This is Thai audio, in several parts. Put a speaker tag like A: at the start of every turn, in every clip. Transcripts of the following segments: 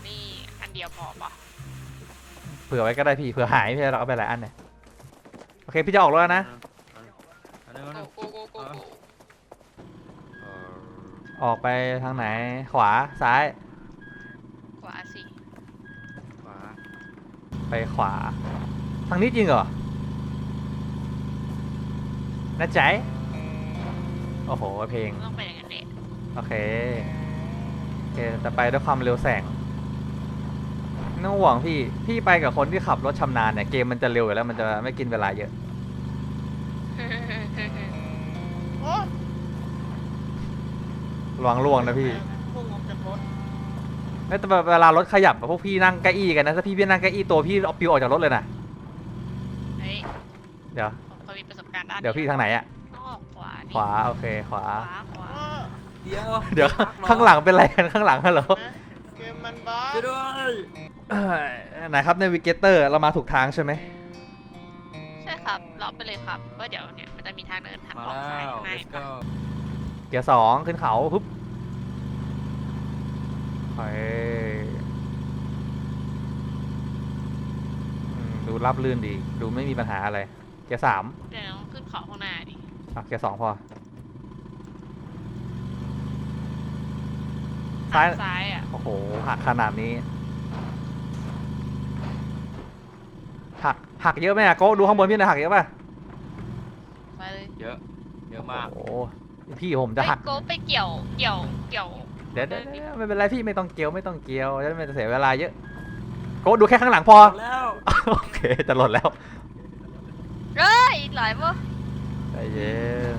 A: นี่อันเดียวพอปะ
B: เผื่อไว้ก็ได้พี่เผื่อหายพี่เราเอาไปหลายอันเนี่ยโอเคพี่จะออกรถแล้วนะ
A: โก
B: ออกไปทางไหนขวาซ้าย
A: ขวาสิ
C: ขวา
B: ไปขวาทางนี้จริงเหรอน่าใจโอ้โหเพลง
A: ต้องไปอย่างนั้นแหละ
B: โอเคจะไปด้วยความเร็วแสงไม่ต้องห่วงพี่ไปกับคนที่ขับรถชำนาญเนี่ยเกมมันจะเร็วอยู่แล้วมันจะไม่กินเวลาเยอะ
D: โอ้
B: ระวังล่วงนะพี่
D: พุ่งออกจากรถ
B: แต่เวลารถขยับพวกพี่นั่งเก้าอี้กันนะถ้าพี่นั่งเก้าอี้ตัวพี่เอาปิวออกจากรถเลยนะ
A: เฮ้ย
B: เดี๋ยว
A: ผมเคยมีประสบการณ์ด้าน
B: เดี๋ยวพี่ทางไหนอะ
A: ต้องออกขวาดิ
B: ขวาโอเคขวา
A: ขวา
C: เดี๋ยว
B: เดี๋ยวข้างหลังเป็นอะไรกันข้างหลังฮัลโหล
D: นะเกมมันบ้า
C: ช่วยด้วย
B: ไหนครับในวิกเกเตอร์เรามาถูกทางใช่ไหม
A: ใช่ครับล็อกไปเลยครับว่าเดี๋ยวเนี่ยมันจะมีทางเดินทาง
C: มา
A: ออกซ้าย
C: แล้ว
A: ข้างใน
C: let's go
B: เกียร์สองขึ้นเขาปุ๊บไปดูราบลื่นดีดูไม่มีปัญหาอะไรเกียร์สาม
A: เดี๋ยวต้องขึ้นเขาข้างหน้าดิ
B: เกียร์สองพอซ้าย
A: ซ้ายอ่ะ
B: โอ้โหหักขนาดนี้หักเยอะไหมอะโก้ดูข้างบนพี่หน่อยหักเยอะป่ะ
A: ไปเลย
C: เยอะเยอะมาก
B: โอ้โหพี่ผมจะหัก
A: โก้ไปเกี่ยว
B: เดี๋ยวไม่เป็นไรพี่ไม่ต้องเกี่ยวจะไม่เสียเวลาเยอะโก้ดูแค่ข้างหลังพอ
C: แล้ว
B: โอเคจะหล่นแล้ว
A: เฮ้ยหลายมั้ง
B: ใจเย็น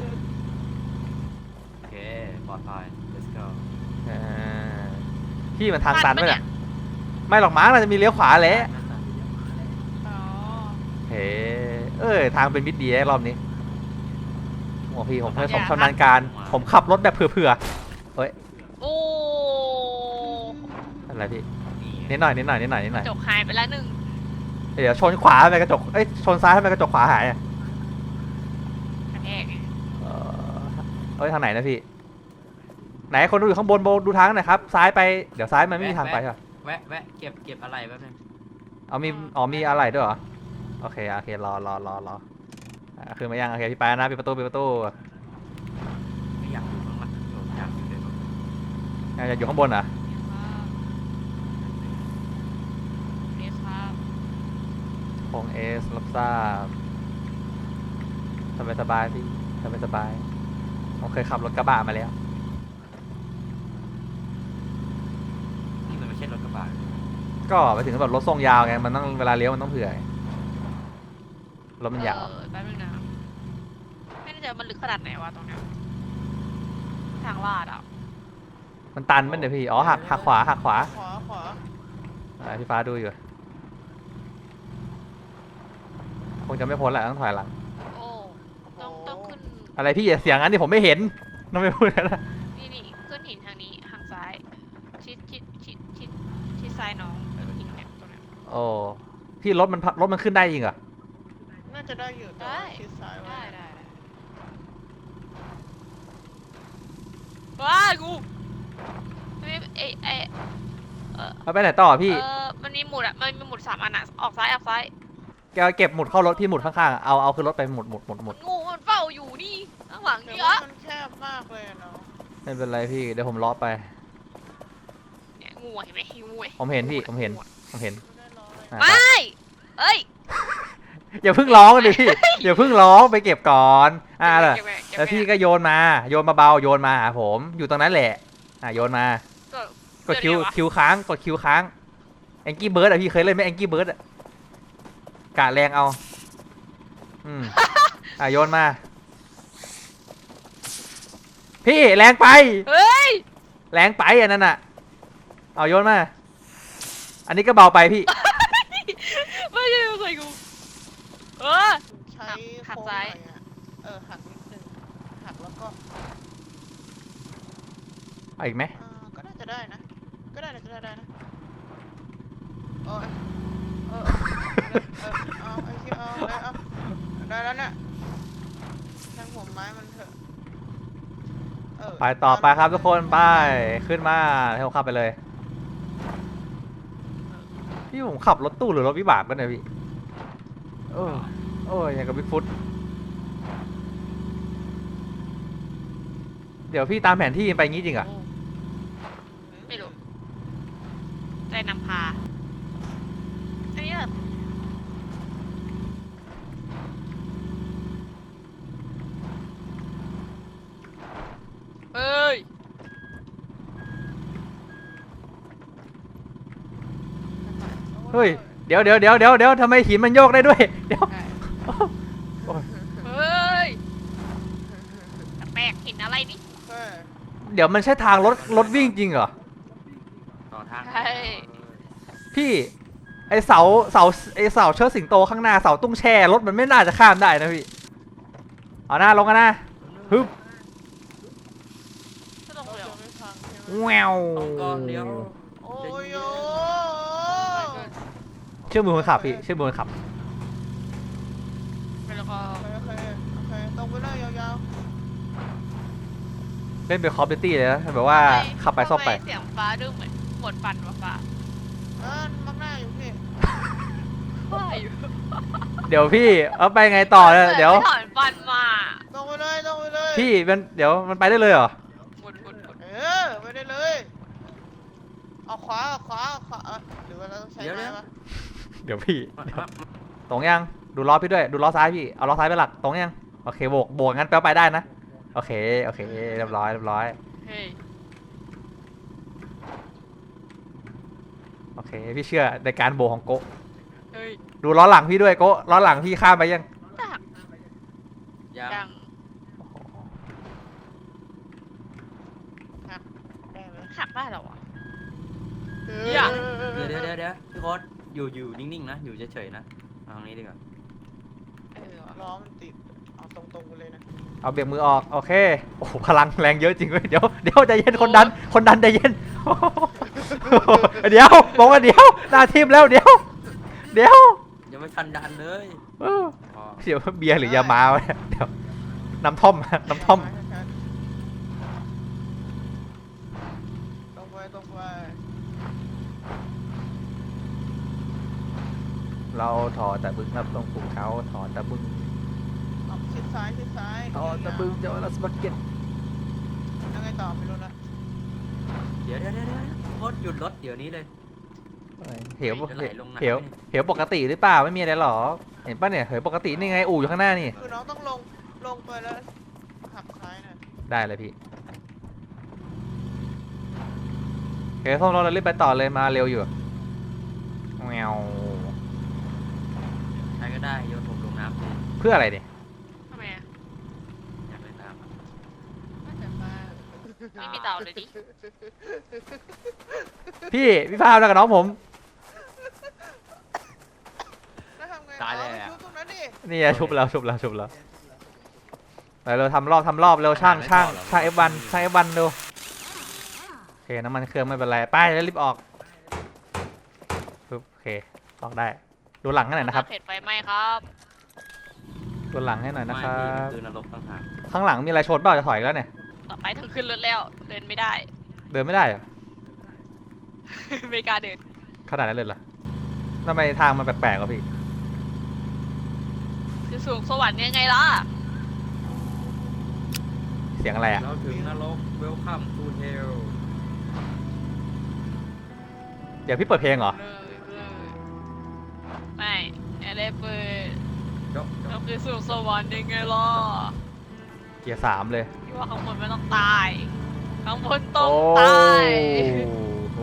C: โอเคปลอดภัย let's go
B: พี่มันทางตันไหมเนี่ยไม่หรอกมั้งเราจะมีเลี้ยวขวาแหละ
A: อ๋อ
B: เฮ้ทางเป็นมิดดีรอบนี้โอ้พี่ผมชำนาญการผมขับรถแบบเผื่อ
A: โอ้
B: อะไรพี่นิดหน่อย
A: จกหายไปแล้วหนึ่ง
B: เดี๋ยวชนขวาไปกระจกชนซ้ายทำไมกระจกขวาหายอ่ะ
A: กระแทก
B: ทางไหนนะพี่ไหนคนดูอยู่ข้างบนดูทางหน่อยครับซ้ายไปเดี๋ยวซ้ายมันไม่มีทางไปใช่ปะ
C: แวะเก็บอะไรแป๊บนึง
B: มีอะไรด้วยเหรอโอเครอคือมายังโอเคพี่ไปนะปิดประตู
C: ไม่อยากอยู่ข้างหลังอยากอยู่ในรถ
B: อยากอยู่ข้างบนเหรอ
A: เอสครับ
B: คงรับทราบสบายพี่สบายผมเคยขับรถกระบะมาแล้ว
C: นี่มันไม่ใช่รถกระบะ
B: ก็ไปถึงแบบรถทรงยาวไงมันต้องเวลาเลี้ยวมันต้องเผื่อรถมันยาว
A: แป๊บนึงนะไม่แน่ใจมันลึกขนาดไหนวะตรงเนี้ยทางลาดอ่ะ
B: มันตันมั้ยเดี๋ยวพี่หักขวา
D: ขวา
B: พี่ฟ้าดูอยู่คงจะไม่พ้นแหละต้องถอยหลัง
A: โอ้ต้องขึ้น
B: อะไรพี่อย่าเสียงงั้นดิผมไม่เห็นต้องไม่พูดนะ
A: นี่ขึ้นหินทางนี้ทางซ้ายชิดซ้ายน้องหินเนี่ยตรงเนี้ย
B: โอ้พี่รถมันขึ้นได้จริงเหรอ
D: น่าจะได้อยู่แต่ว่าชิดซ้ายไว้
A: ได้ว้ากูไม่
B: ไปไหนต่อพี่
A: มันมีหมุดอ่ะมันมีหมุด3 อันอ่ะออกซ้าย
B: แกเก็บหมุดเข้ารถพี่หมุดข้างๆเอาขึ้นรถไปหมุด
A: งูมันเฝ้าอยู่นี่ข้างหลัง
D: แต่
A: นี่
D: ว่า
A: อะ
D: มันแคบมากเลยเนาะ
B: ไม่เป็นไรพี่เดี๋ยวผมล้อไป
A: เนี่ยงูเห็นไหมงู
B: ผมเห็นพี่ผมเห็น
D: ไม่ได้รอเลย
A: ไม่เอ้ย
B: อย่าเพิ่งร้องดิพี่อย่าเพิ่งร้องไปเก็บก่อนเลยแล้วพี่ก็โยนมาเบาๆโยนมาหาผมอยู่ตรงนั้นแหละโยนมากดคิวค้างกดคิวค้างแองกี้เบิร์ดพี่เคยเล่นไหมแองกี้เบิร์ดกะแรงเอาโยนมาพี่แรงไป
A: เฮ้ย
B: แรงไปอันนั้นเอาโยนมาอันนี้ก็เบาไปพี่
A: ไม่ใช่ใส่กู
D: ใช้
A: หัก
D: โค้งห
A: ซ้า
D: น่
A: ย
D: อยหักนิดนึงหักแล้วก็
B: เอาอีกไหม
D: ก็น่าจะได้นะก็ได้นะโอ้ยเอาไอ้ที่เอาได้แล้วเนี่ยทางผมไม้มันเถอะ
B: ไปต่อไปครับทุกคนไปขึ้นมาให้ผมขับไปเลยพี่ผมขับรถตู้หรือรถวิบากกันเนี่ยพี่โอ้ยอย่างกับบิ๊กฟุตเดี๋ยวพี่ตามแผนที่ไปงี้จริงเหรอ่ะ
A: ไม่รู้ใจนำพาอันนี้แบบเฮ้ย
B: เฮ้ยเดี๋ยวทำไมหินมันโยกได้ด้วยเดี๋ยว
A: เฮ้ยแปลกๆเห็นอะไรนี่
D: เฮ้ย
B: เดี๋ยวมันใช่ทางรถวิ่งจริงเหรอ
C: ต่อทาง
A: ใช่
B: พี่ไอเสาเชิดสิงโตข้างหน้าเสาตุ้งแช่รถมันไม่น่าจะข้ามได้นะพี่เอาหน้าลงกันนะฮึบ
A: ก็ลงเลยเหรอ
D: ไม่พังใช่ไหม
B: แวว
C: ต้องก่อนเดี๋ยว
D: โอ้ยโอ้
B: เชื่อมือคนขับพี่เชื่อมือคนขับ
A: แล้วก็
D: โอเคตรงไปเลยยาว
B: เล่นเป็นคอร์ดิตี้เลยนะแบบว่าขับไปซ่อมไป
A: ทำเสียงฟ้าดูเหมือนหมดฟันวะฟ้า
D: ๆมักหน้าอยู่พี่
A: ว่าอยู่
B: เดี๋ยวพี่เอาไปไงต่อเนี่ยเดี๋ยว
A: ไม่ถอนฟันมา
D: ตรงไปเลย
B: พี่มันเดี๋ยวมันไปได้เลยเหรอ
A: หมุน
D: ไปได้เลยเอาขวาหรือว่าเราต้องใช้ไม้ปะ
B: เดี๋ยวพี่ตรงยังดูล้อพี่ด้วยดูล้อซ้ายพี่เอาล้อซ้ายไปหลักตรงยังโอเคโบกงั้นแปลว่าไปได้นะโอเคเรียบร้อย
A: เฮ้ย
B: โอเคพี่เชื่อในการโบกของโกะ
A: เฮ้ย
B: ดูล้อหลังพี่ด้วยโกะล้อหลังพี่ข้ามไปยัง
A: จัก
C: ยัง
A: ยัง
D: ได้ไหม
A: หักได้เหรอวะ
C: เดี๋ยวพี่โค้ดอยู่นิ่งๆนะอยู่เฉยๆนะเอาตรงนี้ดีกว่า
A: วะ
D: ล้อมันติดเอาตรงๆไปเลยนะ
B: เอาเบรกมือออกโอเคโอ้โหพลังแรงเยอะจริงเว้ยเดี๋ยวใจเย็นคนดันใจเย็น เดี๋ยวบอกว่าเดี๋ยวหน้าทิมแล้วเดี๋ยว
C: ยังไม่ทันดันเลย
B: เออ
C: พอ
B: เดี๋ยวเบียร์หรือยามาวะเนี่ยเดี๋ยวน้ำท่อม
D: ตรงไป
B: เราถอดแต่บึ้งครับตรงภูเขาถอดแต่บึ้ง
D: เอาชิดซ้าย
B: ถอดแต่บึ้งเจ้าลัสบักเก็ต
D: ยังไงต่อไม่รู้นะ
C: เดี๋ยวโค้ดหยุดรถเดี๋ยวนี้เลย
B: เหว
C: จะไหลลงน้ำ
B: เหวปกติหรือเปล่าไม่มีอะไรหรอเห็นป่ะเนี่ยเหวปกตินี่ไงอู่อยู่ข้างหน้านี่
D: คือน้องต้องลงไปแล้วหักซ้ายหน่อย
B: ได้เลยพี่โอเคส้มเรารีบไปต่อเลยมาเร็วอยู่แมว
C: ใครก็ได้โยนผมลงน้ำเลย
B: เพื่ออะไรเนี่ย
A: ทำไมอ่ะ
C: อยากเล่นน้ำอะ
A: ไม่แต่ว่าไม่มีเต่าเลยดิ
B: พี่พาวแล้วกับน้องผม
D: แล้วทำไง
C: ตายแล้ว
D: ชุบตรงนั้นดิ
B: นี่ไงชุบแล้วไปเราทำรอบเร็วช่าง F1 เร็วโอเคน้ำมันเครื่องไม่เป็นไรไปแล้วรีบออกปึ๊บโอเคออกได้ดูหลังให้หน่อยนะครับ
A: เผ็ดไฟไหม้ครับ
B: ดูหลังให้หน่อยนะครั
C: ไม่พี่มัน
B: บ
C: คือนรกต่างหาก
B: ข้างหลังมีอะไรชนเปล่าจะถอยแล้วเนี่ย
A: ต่อไปต้องขึ้นรถแล้วเดินไม่ได้
B: เดินไม่ได้เหรอ
A: ไม่กล้าเดิน
B: ขนาดนั้นเลยเหรอทำไมทางมันแปลกๆวะพี่
A: คือสูงสวรรค์ยังไงล่ะ
B: เสียงอะไรอ่ะ
C: เราถึงนรก Welcome to Hell
B: เดี๋ยวพี่เปิดเพลงเหรอ
A: ไม่อะไรเปิด
C: จบ
A: เราคือสูงสวรรค์ยังไงล่ะ
B: เกียร์3เลย
A: ที่ว่าข้างบนไม่ต้องตายข้างบนต้องตาย
B: โอ้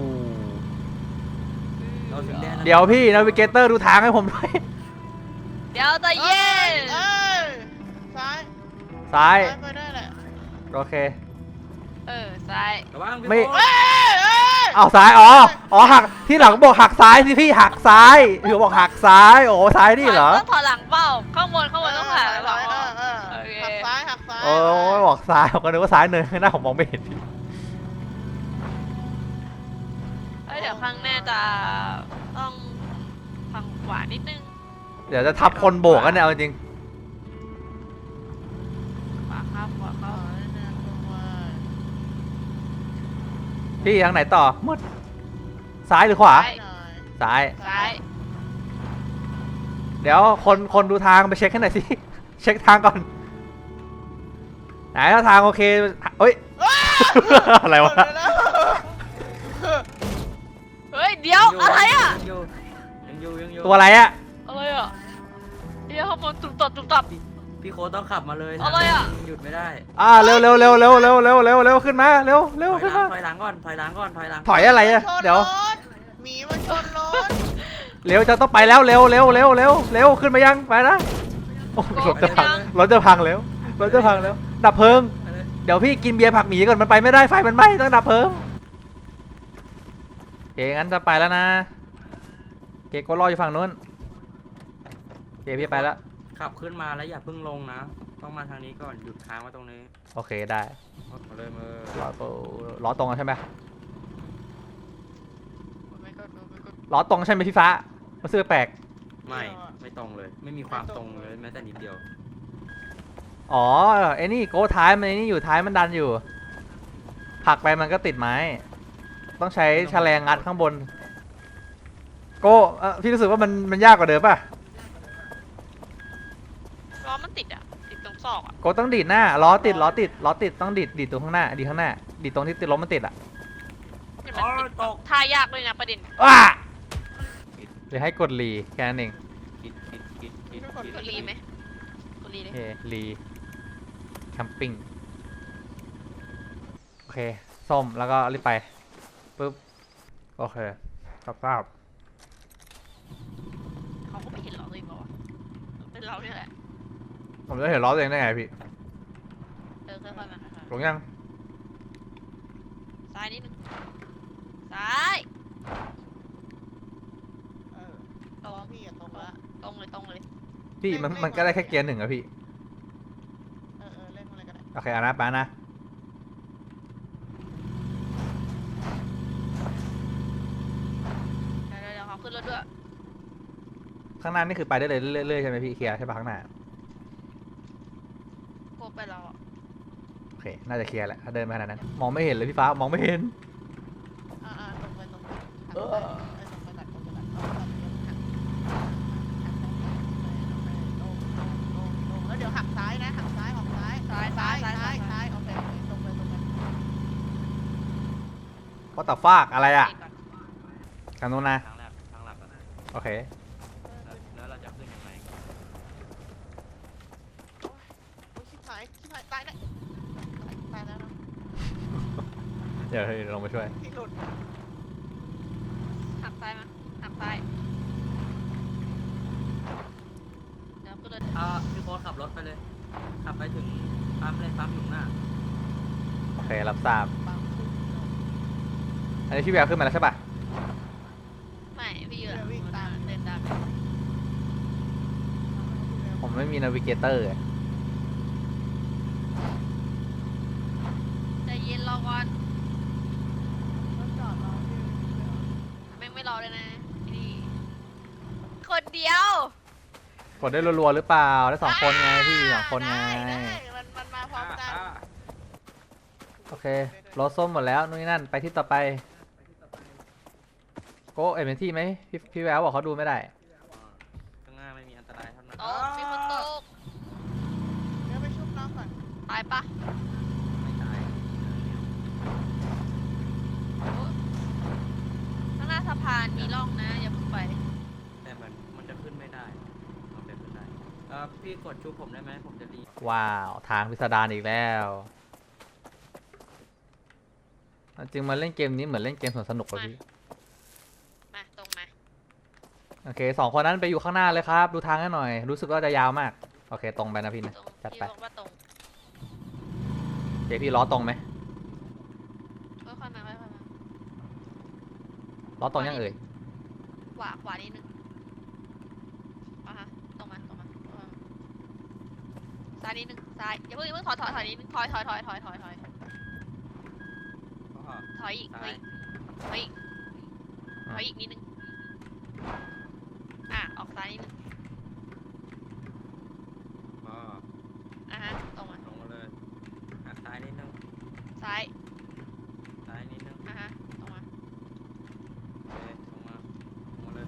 C: เราถึงแดนแล้ว
B: เดี๋ยวพี่นาวิเกเตอร์ดูทางให้ผมด้วย
A: เดี๋ยวใจะเย็น
D: เอ้ยซ้าย
B: ซ้าย
D: ไปได้แหละ
B: โอเค
A: ซ้าย
C: ระวังพี่
B: ไม่
C: โค้ด
D: เอ้ย
B: เอาซ้ายอ๋อหักที่หลังบอกหักซ้ายสิพี่หักซ้ายพี่บอกหักซ้ายโอ้ซ้ายนี่เหรอ
A: ต้องถอยหลังเปล่าข้างบนต้องถอยหลัง โอเค
D: หักซ้าย
B: โอ้ยบอกซ้ายผมก็นึกว่าซ้ายเนินข้างหน้าผมมองไม่เห็น
A: เดี๋ยวข้างหน้าจะต้องฝั่งขวานิดนึง
B: เดี๋ยวจะทับคนโบกกันเนี่ยเอาจริง
A: ขวาครับขวาครับ
B: พี่ทางไหนต่อมืดซ้ายหรือขวา
A: ซ้าย
B: ซ้าย
A: ซ้าย
B: เดี๋ยวคนดูทางไปเช็คให้หน่อยสิ เช็คทางก่อนไหนถ้าทางโอเคเอ้ย อะไรวะ
A: เฮ้ยเดี๋ยวอะไรอ่ะ
C: ยังอยู่
B: ตัวอะไรอะ
A: อะไรอ่ะเดี๋ยวข้างบนตุ่มตับตุ่มตับ
C: พี่โค้ดต้องขับมาเลย
A: อะไรอะ
C: หยุดไม่ได้
B: เร็วขึ้นมาเร็วขึ้นมา
C: ถอยหลังก่อนถอยหลัง
B: ถอยอะไรอะเดี๋ยว
D: หมีมันชนรถ
B: เร็วจะต้องไปแล้วเร็วขึ้นมายังไปนะโอ้รถจะพังรถจะพังแล้วดับเพลิง
C: ไปเลย
B: เดี๋ยวพี่กินเบียร์ผักหมีก่อนมันไปไม่ได้ไฟมันไหม้ต้องดับเพลิงโอเคงั้นจะไปแล้วนะโอเคก็รออยู่ฝั่งนู้นโอเคพี่ไปแล้ว
C: ขับขึ้นมาแล้วอย่าเพิ่งลงนะ ต้องมาทางนี้ก่อนหยุดค้างไว้ตรงนี้
B: โอเคได้
C: มาเลยมือ
B: ล้อตรงใช่ไหม
A: ไม่ก็ไม่ก็
B: ล้อตรงใช่ไหมพี่ฟ้ารู้สึกแปลก
C: ไม่ตรงเลย ไม่มีความตรงเลยแม้แต่นิดเดียว
B: อ๋อไอ้นี่โก้ท้ายมันไอ้นี่อยู่ท้ายมันดันอยู่ผลักไปมันก็ติดไม้ ต้องใช้แฉลงงัดข้างบนโก้พี่รู้สึกว่ามันยากกว่าเดิมป่ะ
A: ล้อมันติดอ่ะติดตรงซอกอ่ะ
B: โก้ต้องดีดหน้าล้อติดต้องดีดตรงข้างหน้าดีข้างหน้าดีดตรงที่ติดล้มมันติดอ่ะ
A: เนี่ยมันติดท่ายากเลยนะประเด็น
B: ว้าเดี๋ยวให้กดรีแค่นั้นเอง
C: คิด
A: กดรีไหมกดรีเลย
B: โอเครีแคมปิ้งโอเคส้มแล้วก็รีบไปปึ๊บโอเคครับ
A: เขาก็ไม่เห็นเราเลยบอกว่าเป็นเราเนี่ยแหละ
B: ผมจะเห็นล้อตัวเองได้ไงพี่
A: ค่อยๆมาค่อย
B: ลงยัง
A: ๆซ้ายนิดนึงซ้าย
D: ตรงพี่อะตรงละ
A: ตรงเลย
B: พี่มันก็ได้แค่เกียร์หนึ่งอะพี่
D: เล่นอะไรก็ได้
B: โอเคเอานะป้านะ
A: เดี๋ยวเขาขึ้นรถด้วย
B: ข้างหน้านี่คือไปได้เลยเรื่อยๆใช่ไหมพี่เคลียร์ใช่ปะข้างหน้า
A: พวกไปเราอ่ะ
B: โอเคน่าจะเคลียร์แหละถ้าเดินมาขนาดนั้นมองไม่เห็นเลยพี่ฟ้ามองไม่เห็น
D: ตรงไปตรงไปตรงไปตัดตรงไปตัดแล้วเดี๋ยวหักซ้ายนะหักซ้ายออกซ้ายซ้ายโอเคตรงไป
B: ก็ต่อฟากอะไรอะ
A: เบรกก่อน
B: ทางโน้นนะ
C: ทางหลักนะ
B: โอเค
C: แล้วเราจะขึ้นยังไง
D: ชิบหายตายแล้วนะ
B: เดี๋ยวลงมาช่วย
D: ที่หลุด
A: หักซ้ายมาหักซ้ายเดี๋ยวขึ้นรถ
C: พี่โค้ดขับรถไปเลย ขับไปถึงปั๊มเลยปั๊มอยู่หน้า
B: โอเครับทราบ
D: บางขึ้น
B: อันนี้พี่แววขึ้นมาแล้วใช่ปะ
A: ไม่พี่อยู่วิ่งตามเดินตาม
B: ผมไม่มีนาวิเกเตอร์
A: ใจเย็นรอก่อน
D: รถจอดรอที่
A: แม่งไม่รอเลยนะนี่คนเดียว
B: กดได้รัวๆหรือเปล่าได้2 คนไงพี่2 คนไง
D: มันมาพร้อมกัน
B: โอเครถส้มหมดแล้วนู่นนี่นั่นไปที่ต่อไปโก้เอ็มที่ไหมพี่แววบอกเขาดูไม่ได้
C: ข้างหน้าไม่มีอันตรายเท่านั้น
A: ตกมีคนตก
D: เดี๋ยวไปชุบน้องก่อน
A: ตายปะ
C: ไม่ตาย
A: ข้างหน้าสะพานมีร่องนะอย่าเพิ่งไป
C: แต่มันจะขึ้นไม่ได้มันเป็นไม่ได้พี่กดชุบผมได้ไหมผมจะรี
B: ว้าวทางพิสดารอีกแล้วจริงมาเล่นเกมนี้เหมือนเล่นเกมสวนสนุกเลยพี่
A: มาตรงมา
B: โอเค2 คนนั้นไปอยู่ข้างหน้าเลยครับ ดูทางให้หน่อย รู้สึกว่าจะยาวมากโอเคตรงไปนะพี่นะ
A: ตรง
B: จัด
A: พี่
B: ไป
A: บอกว่าตรง
B: เดี๋ยวพี่ล้อตรงไหม
A: ค่อยๆมาค่อยๆมา
B: ล้อตรงยังเอ่ย
A: ขวานิดนึงอ่ะฮะตรงมาซ้ายนิดนึงซ้ายอย่าเพิ่งถอยนิดนึงถอยอีกถอยอีกนิดนึงออกซ้ายนิดนึงอ่ะฮะตรงมา
C: ลงมาเลยหักซ้ายนิดนึง
A: ซ้าย
C: ซ้ายนิดนึง
A: อ่ะฮะตรงมา
C: โอเคลงมาลงมาเล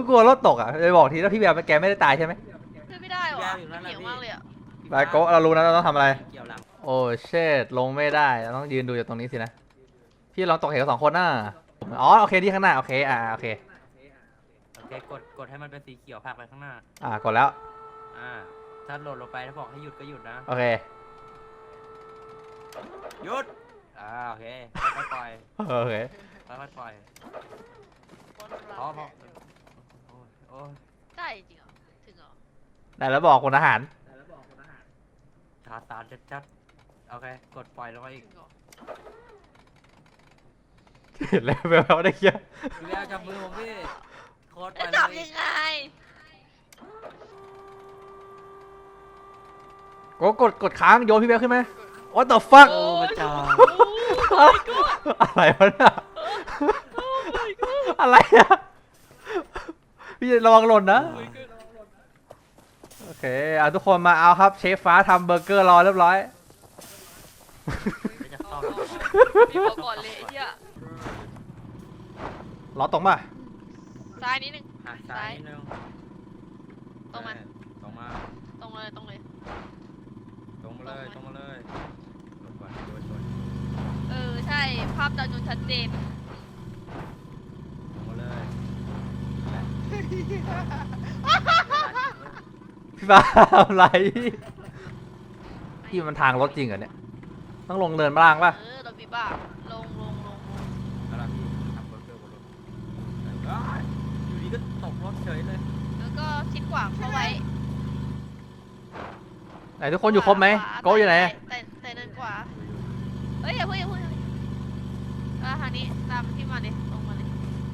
B: กลัวรถตกอ่ะเลยบอกทีแล้วพี่แบมแกไม่ได้ตายใช่ไหม
A: ขึ้นไม่ได้ว่ะเหนียวมากเลยอ่ะ
B: ไปโกะเรารู้นะเราต้องทำอะไร
C: เกี่ยวหลัง
B: โอ้เชดลงไม่ได้เราต้องยืนดูอยู่ตรงนี้สินะพี่ลองตกเหว2 คนน่ะอ๋อโอเคที่ข้างหน้าโอเคโอเค
C: โอเคกดให้มันเป็นสีเขียวผลักไปข้างหน้า
B: กดแล้ว
C: ถ้าหล่นลงไปถ้าบอกให้หยุดก็หยุดนะ
B: โอเค
C: หยุดโอเคค่อยๆปล่อย
B: โอเค
C: ค่อยๆปล่อย
D: คนหลัง
C: พอ
D: เนี่ย
C: โอ้ย
A: ได้จริงเหรอถึงเหรอ
B: ไหนแล้วบอกคนอาหาร
C: ชาตาชัดๆโอเคกดปล่อยลงไปอีก
A: ถึงเหรอ
B: เห็นแล้วแบบได้เคี้ยว
C: พี่แววจับมือผมพี่โคตรไป
A: จะ
C: เล
A: จับ
C: ย
A: ยังไง
B: กดค้างโยนพี่แบมขึ้นไหม What the fuck
C: โอ้พระเจ้า
B: อะไรวะเนี่ยอะไรอะพี่ระวังหล่นนะ โอเคทุกคนมาเอาครับเชฟฟ้าทำเบอร์เกอร์รอเรียบร้อย
C: ไม่จะเข้า
A: มีพอก่อนเลยไอ้เหี้ย
B: ล้อตรงป่ะ
A: ซ้ายนิดนึง
C: ซ้ายนิดนึง
A: ตรงมา
C: ตรงมา
A: ตรงเลยตรงเลย
C: ตรงมาเลยตรงมาเลยลงก่อนโดน
A: ใช่ภาพจำนวนชัดเจน
C: ตรงมาเลย
B: พี่ฟ้าทำอะไรพี่มันทางรถจริงเหรอเนี่ยต้องลงเนินมาล่างป่ะ
A: รถบีบ้าลง
C: แล้วล่ะพี่ทำเบอร์เกอร์บนรถอยู่ดีก็ตกรถเฉยเลย
A: แล้วก็ชิดขวาเข้าไว้
B: ไหนทุกคนอยู่ครบไหมโก้อยู่ไหน
A: แต่เดินขวาเฮ้ยอย่าเพิ่งทางนี้ตามที่มาเลยตรงมาเลย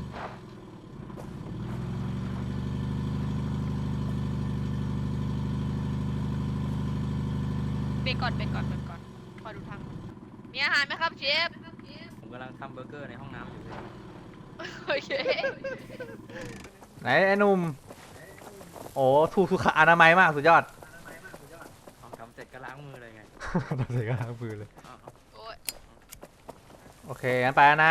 A: เบรกก่อนคอยดูทางมีอาหารไหมครับเชฟ
C: ผมกำลังทำเบอร์เกอร์ในห้องน้ำอยู่เลย
A: โอเค
B: ไหนไอ้หนุ่มโอ้ถูกสุขอนามัยมากสุดยอด
C: เอาทำเสร็จก็ล้างมือเลยไง
B: ตอนเสร็จก็ล้างมือเลย
C: เอา
A: โอ้ย
B: โอเคงั้นไปแล้วนะ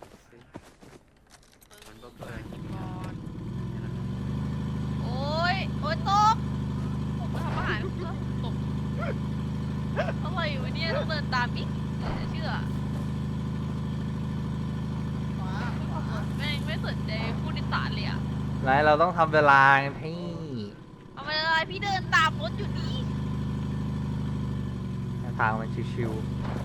C: มันเบอร์เกอร์
A: ก่อนโอ้ยตกผมมาทำอาหารแล้วตกอะไรวะเนี่ยต้องเดินตามอีกเชื่อ
D: ขวา
A: แม่งไม่สนใจผู้โดยสารเลยอะ
B: ไหนเราต้องทำเวลาไงพี่
A: เอาไปเลยพี่เดินตามรถอยู่นี่
B: ทางมันชิว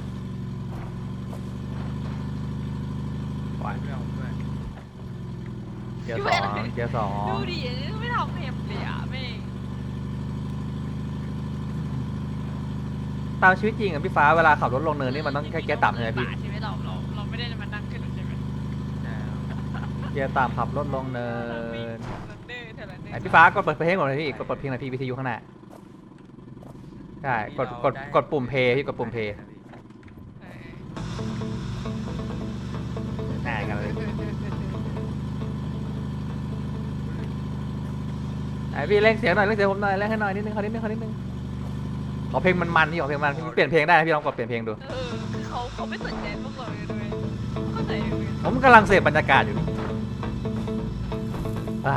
B: ๆไหว
C: ไม่เอาด้วย
B: เกียร์ 2
A: ดูดิไม่ทำเพมเลยอะแม่ง
B: ตามชีวิตจริงอะพี่ฟ้าเวลาขับรถลงเนินนี่มันต้องแค่เกียร์ต่ำใช่ไหมพี่
A: ใช่ไหมเราไม่ได้มานั่งขึ้นใช่ไหม
B: เกียร์ต่ำขับรถลงเนิน
A: เดินเท่านั้นเอ
B: ไหน
A: ง
B: พี่ฟ้ากดเปิดเพลงก่อนเลยพี่กดเปิดเพลงหน่อยพี่วิทยุข้างหน้าใช่กดปุ่มเพย์พี่กดปุ่มเพย์ง่ายกันเลยไหนพี่เร่งเสียงหน่อยเร่งเสียงผมหน่อยเร่งให้หน่อยนิดนึงขอนิดนึงขอเพลงมันพี่ขอเพลงมันพี่เปลี่ยนเพลงได้นะพี่ลองกดเปลี่ยนเพลงดู
A: คือเขาไม่สนใจพวกเราเลยด้วยเข้าใจไหม
B: ผมกำลังเสพบรรยากาศอยู่อ่า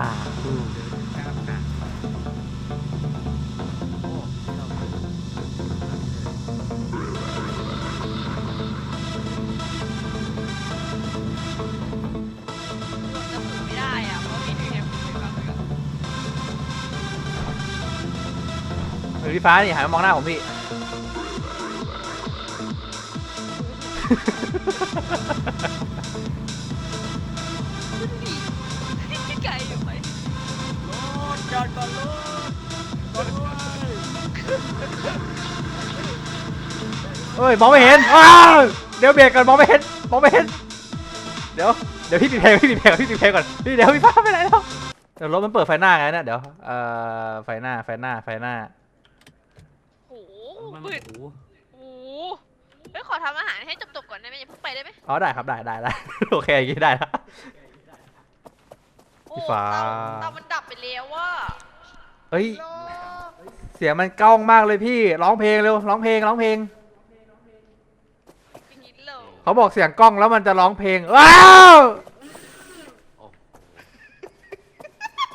A: จะฝึกไม่ได้อะเพราะมีเพลงคุยกันเลยอะ
B: พี่ฟ้านี่หันมามองหน้าผมพี่
A: พี่ไก่อยู่ไหม
C: รถจอดก่อนรถด้วย
B: เอ้ยมองไม่เห็นอ้าวเดี๋ยวเบรกก่อนมองไม่เห็นเดี๋ยวพี่ปิดเพลงก่อนพี่ปิดเพลงก่อนพี่เดี๋ยวพี่ฟ้าไปไหนแล้วเดี๋ยวรถมันเปิดไฟหน้าไงนะเดี๋ยวไฟหน้า
A: โอ้โห
C: มัน
A: มืด
C: โอ้โห
A: โอ้โหเฮ้ยขอทำอาหารให้จบๆก่อนได้ไหมอย่าเพิ่งไปได้ไหม
B: อ๋อได้ครับได้ โอเคอย่างงี้ได้แล้ว
A: โอ้
B: พี่ฟ้า
A: เตามันดับไปแล้วว่า
B: เฮ้ย
D: โล
B: เสียงมันก้องมากเลยพี่ร้องเพลงเร็วร้องเพลง
A: พี่นิดเลย
B: เขาบอกเสียงกล้องแล้วมันจะร้องเพลงว้าว
C: โอ้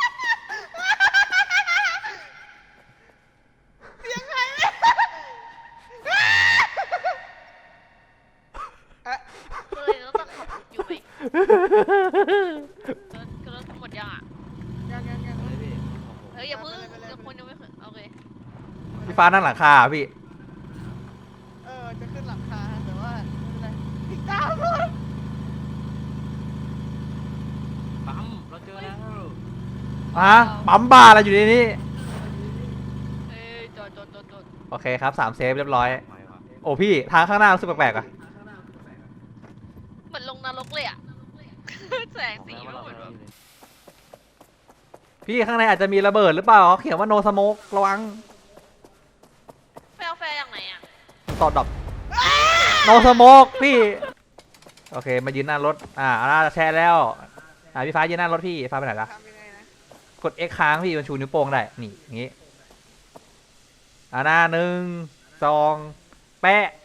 A: คือรถทั้งหมดยังอ่ะ
D: ยัง
C: เลยพี่
A: เฮ้ยอย่าเพิ่ง
D: ไปเลย
A: เดี๋ยวคนยังไม่ขึ้นโอเค
B: พี่ฟ้านั่งหลังคาอะพี่
D: จะขึ้นหลังคาแต่ว่าไม่เป็นไรติดตามรถ
C: ปั๊มเราเจอแล้ว
B: ปั๊มบ้าอะไรอยู่ในนี้
A: เอ้ยจอด
B: โอเคครับ3เซฟเรียบร้อย
C: ไปวะ
B: โอ้พี่ทางข้างหน้ารู้สึกแปลกๆอะ
A: เหมือนลงนรกเลยอ่ะ แสงสี
C: บ
A: ไม่
C: อก
A: เหมือน
C: แล้ว
A: แบบ
B: พี่ข้างในอาจจะมีระเบิดหรือเปล่าเขาเขียนว่า no smoke ระวัง
A: แฟร์อย่างไหนอ่ะ
B: ต่อดอก no smoke พี่ โอเคมายืนหน้ารถน่าจะแชร์แล้วพี่ฟ้ายืนหน้ารถพี่ฟ้าไปไหนละ
D: ทำยังไงนะ
B: กด X ค้างพี่มันชูนิ้วโป้งได้นี่อย่างงี้หน้า1 2 แปะ